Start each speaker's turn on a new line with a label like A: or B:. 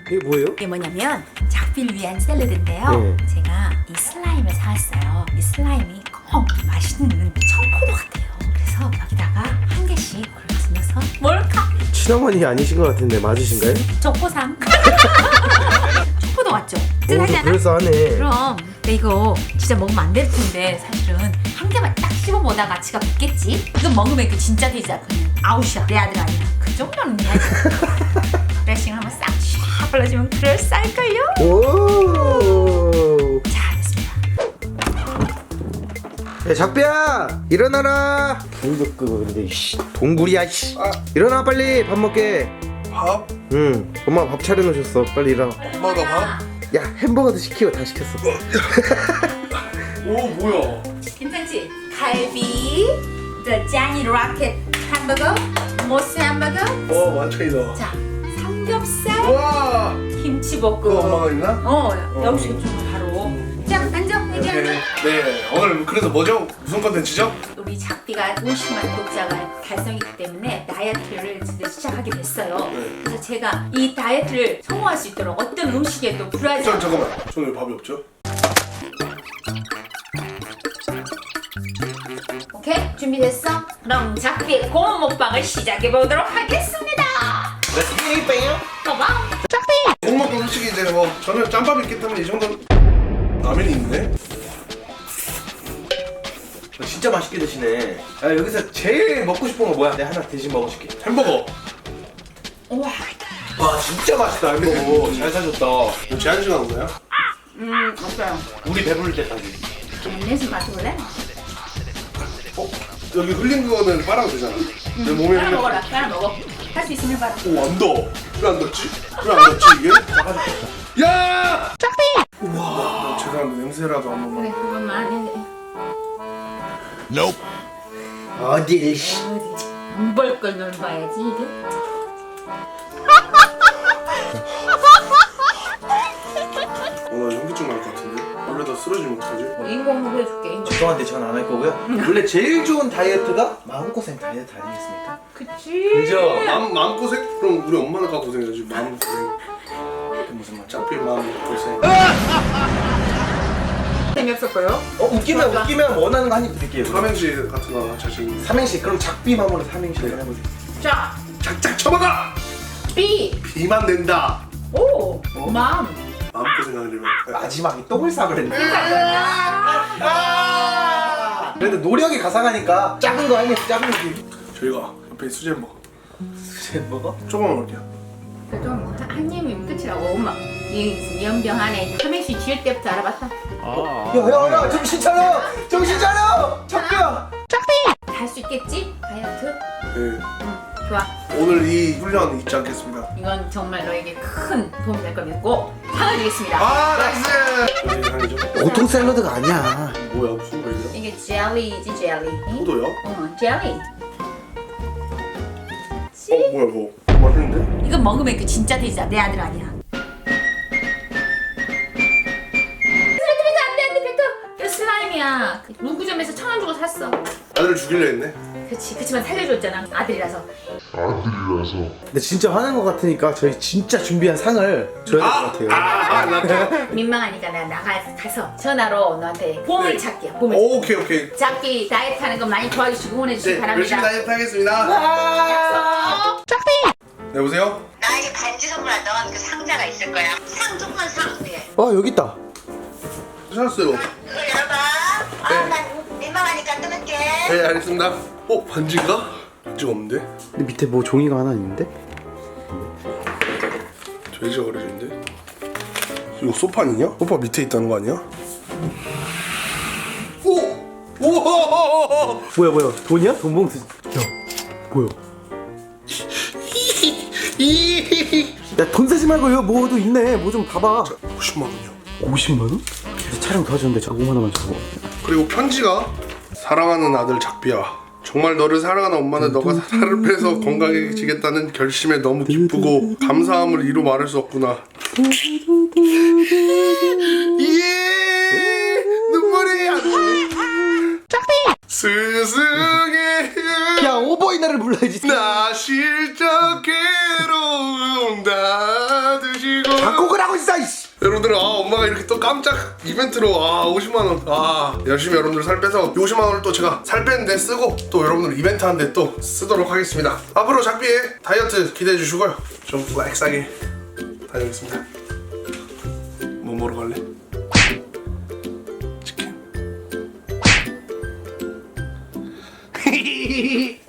A: 이게 뭐예요?
B: 이게 뭐냐면 작비를 위한 샐러드인데요.
A: 네.
B: 제가 이 슬라임을 사왔어요. 이 슬라임이 꼭 맛있는 청포도 같아요. 그래서 여기다가 한 개씩 굴러서 뭘까?
A: 친어머니 아니신 것 같은데 맞으신가요?
B: 초코상. 청포도 같죠?
A: 오,
B: 짠하잖아.
A: 그럴싸하네.
B: 그럼 근데 이거 진짜 먹으면 안 될 텐데 사실은 한 개만 딱 씹어보다 가치가 붙겠지? 이거 먹으면 그 진짜 되지 않거든. 아웃이야 내 아들 아니야. 그 정도는 해야지. 드레싱 한번 싹 샥 발라주면 그럴싸할걸요?
A: 오.
B: 자 됐습니다.
A: 야 작비야 일어나라. 불도 끄고 근데 동굴이야. 일어나 빨리 밥 먹게.
C: 밥?
A: 응 엄마 밥 차려놓으셨어. 빨리 일어나.
C: 엄마가 밥?
A: 야 햄버거도 시키고 다 시켰어.
C: 오 뭐야?
B: 괜찮지? 갈비, 더 짜니 로켓 햄버거, 모스 햄버거.
C: 와 완전이다.
B: 자 삼겹살,
C: 와
B: 김치볶음.
C: 그거 엄마가 있나?
B: 여기서 좀 바로. 자 앉아 여기 앉아.
C: 네 오늘 그래서 뭐죠? 무슨 컨텐츠죠?
B: 우리 작비가 50만 구독자가 달성했기 때문에 다이어트를 진짜 시작하게 됐어요.
C: 네.
B: 그래서 제가 이 다이어트를 성공할 수 있도록 어떤 음식에도 불하지 않고
C: 잠깐만 저는 왜 밥이 없죠?
B: 오케이? 준비됐어? 그럼 작비의 고음 먹방을 시작해보도록 하겠습니다. 고마워.
C: 공먹고 솔직히 이제 뭐 저는 짬밥이 있기 때문에 이 정도는 라면이 있네?
A: 진짜 맛있게 드시네. 야 여기서 제일 먹고 싶은 거 뭐야? 내가 하나 대신 먹어줄게.
C: 햄버거
B: 우와.
A: 와 진짜 맛있다 햄버거. 잘 사줬다.
C: 뭐 제한 시간 없나요?
B: 없어요.
A: 우리 배부를 때까지.
B: 내수 맡아볼래?
C: 여기 흘린 거는 빨아도 되잖아 내 몸에
B: 빨아
C: 흘린
B: 먹어라. 빨아 먹어. 할 수 있으면 빨아.
C: 오안 더워 왜 안 덥지? 왜 안 덥지 이게? 야! 우와 죄송한데 냄새라도 한 번만
B: 그래 그것만
A: 어딜
B: 안볼 걸 놀아야지 이게.
C: 나 현기증 날 것 같은데? 원래 다 쓰러지면 어떡하지?
B: 인공으로 해줄게.
A: 죄송한데 전 안 할 거고요. 원래 제일 좋은 다이어트가 마음고생 다이어트 아니겠습니까?
B: 그치.
A: 그죠?
C: 마음고생? 그럼 우리 엄마는 가 고생해야지 마음고생
A: 그 무슨 말?
C: 짭필 마음고생
B: 재미없었고요.
A: 웃기면 원하는 거 한 입 드릴게요.
C: 삼행시 같은 거 자신
A: 삼행시 그럼 작비맘으로 삼행시 해보세요.
B: 자,
C: 작작 쳐박아!
B: B.
C: 비만 된다
B: 오. 맘.
C: 마음고생 하려면
A: 마지막에 똥을 싸그랬네. 그래도 노력이 가상하니까 작은 거 아니면 작은 거.
C: 저희가 옆에 수제 햄버거
A: 햄버거?
C: 조금만 먹을게요
B: 그래도 한 입이면 끝이라고. 엄마. 이 연병 안에 삼행시 지을 때부터 알아봤다.
A: 야야야 정신 차려! 정신 차려! 작비야!
B: 할 수 있겠지? 다이어트?
C: 네.
B: 좋아.
C: 오늘 이 훈련 잊지 않겠습니다
B: 이건 정말 너에게 큰 도움이 될 걸 믿고 상을 주겠습니다.
C: 아 나이스! 어디 향이죠?
A: 보통 샐러드가 아니야.
C: 뭐야 무슨 거예요?
B: 이게 젤리지 젤리.
C: 포도요?
B: 젤리.
C: 뭐야 이거 맛있는데?
B: 이거 먹으면 그 진짜 돼지야. 내 아들 아니야. 쓰러뜨리면 안돼 뱉어. 이거 슬라임이야. 그 문구점에서 1,000원 주고 샀어.
C: 아들을 죽이려 했네
B: 그치. 그치만 살려줬잖아. 아들이라서.
A: 근데 진짜 화난 거 같으니까 저희 진짜 준비한 상을 줘야 될 것 같아요.
B: 민망하니까 내가 나가서 전화로 너한테 보물
C: 네.
B: 찾게요. 보물.
C: 오케이
B: 작비 다이어트 하는 거 많이 도와주시고 응원해주시기
C: 네
B: 바랍니다.
C: 열심히 다이어트 하겠습니다 네 여보세요?
D: 나에게 반지 선물한 너한 그 상자가 있을 거야. 상 조건 상. 네.
A: 여기 있다.
C: 찾았어요
D: 그거 열어봐. 난 민망하니까 끊을게.
C: 네 알겠습니다 반지인가? 반지가 없는데?
A: 근데 밑에 뭐 종이가 하나 있는데?
C: 돼지가 그려져있는데? 이거 소파 아니냐? 소파 밑에 있다는 거 아니야? 오! 우와!
A: 뭐야 돈이야? 돈 봉투. 야 뭐야? 야 돈 쓰지 말고 여기 뭐도 있네. 뭐 좀 봐봐.
C: 50만 원이요
A: 50만 원? 그래서 촬영 도와줬는데 저 5만 원만 주고.
C: 그리고 편지가 사랑하는 아들 작비야 정말 너를 사랑하는 엄마는 너가 살을 빼서 건강해지겠다는 결심에 너무 기쁘고 감사함을 이루 말할 수 없구나 예 눈물이 안 나. 스승의
A: 야 오보이나를 불러야지.
C: 나 실적 괴로움 다 드시고
A: 작곡을 하고 있어. 이씨.
C: 여러분들 엄마가 이렇게 또 깜짝 이벤트로 50만원 열심히 여러분들 살 빼서 50만원을 또 제가 살 빼는데 쓰고 또 여러분들 이벤트 하는데 또 쓰도록 하겠습니다. 앞으로 작비의 다이어트 기대해 주시고요. 좀 렉싸게 다녀오겠습니다. 뭐 먹으러 갈래? 치킨